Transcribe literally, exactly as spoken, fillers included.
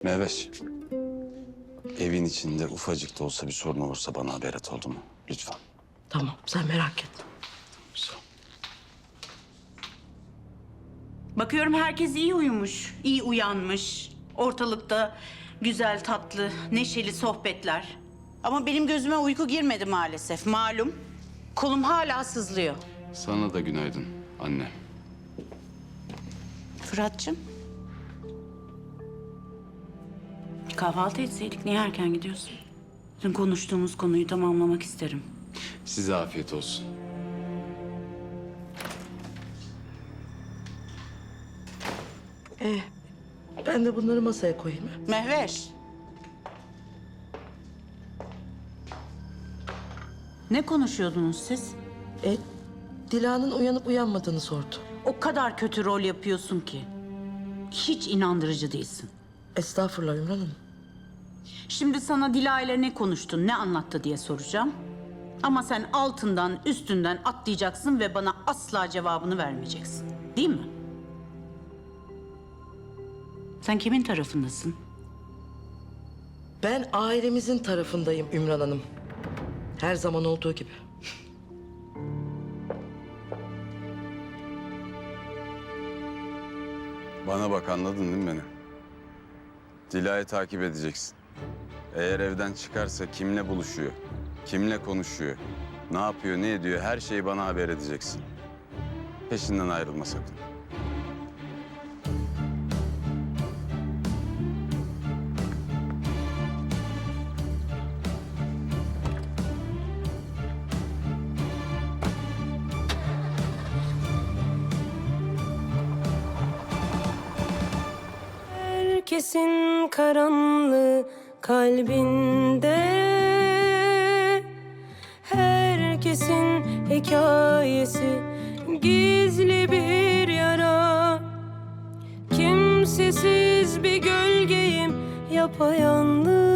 Mehveş. Evin içinde ufacık da olsa bir sorun olursa bana haber et, oldu mu? Lütfen. Tamam, sen merak etme. Sağ ol. Bakıyorum herkes iyi uyumuş, iyi uyanmış. Ortalıkta güzel, tatlı, neşeli sohbetler. Ama benim gözüme uyku girmedi maalesef, malum. Kolum hala sızlıyor. Sana da günaydın anne. Fırat'cığım. Bir kahvaltı etseydik, niye erken gidiyorsun? Dün konuştuğumuz konuyu tamamlamak isterim. Size afiyet olsun. Ee, ben de bunları masaya koyayım. ha? Mehveş. Ne konuşuyordunuz siz? E, Dila'nın uyanıp uyanmadığını sordu. O kadar kötü rol yapıyorsun ki. Hiç inandırıcı değilsin. Estağfurullah Ümran Hanım. Şimdi sana Dila ile ne konuştun, ne anlattı diye soracağım. Ama sen altından, üstünden atlayacaksın ve bana asla cevabını vermeyeceksin. Değil mi? Sen kimin tarafındasın? Ben ailemizin tarafındayım Ümran Hanım. Her zaman olduğu gibi. Bana bak, anladın değil mi beni? Dila'yı takip edeceksin. Eğer evden çıkarsa kimle buluşuyor, kimle konuşuyor, ne yapıyor, ne ediyor, her şeyi bana haber edeceksin. Peşinden ayrılma sakın. Herkesin karanlığı kalbinde, herkesin hikayesi gizli bir yara. Kimsesiz bir gölgeyim yapayalnız.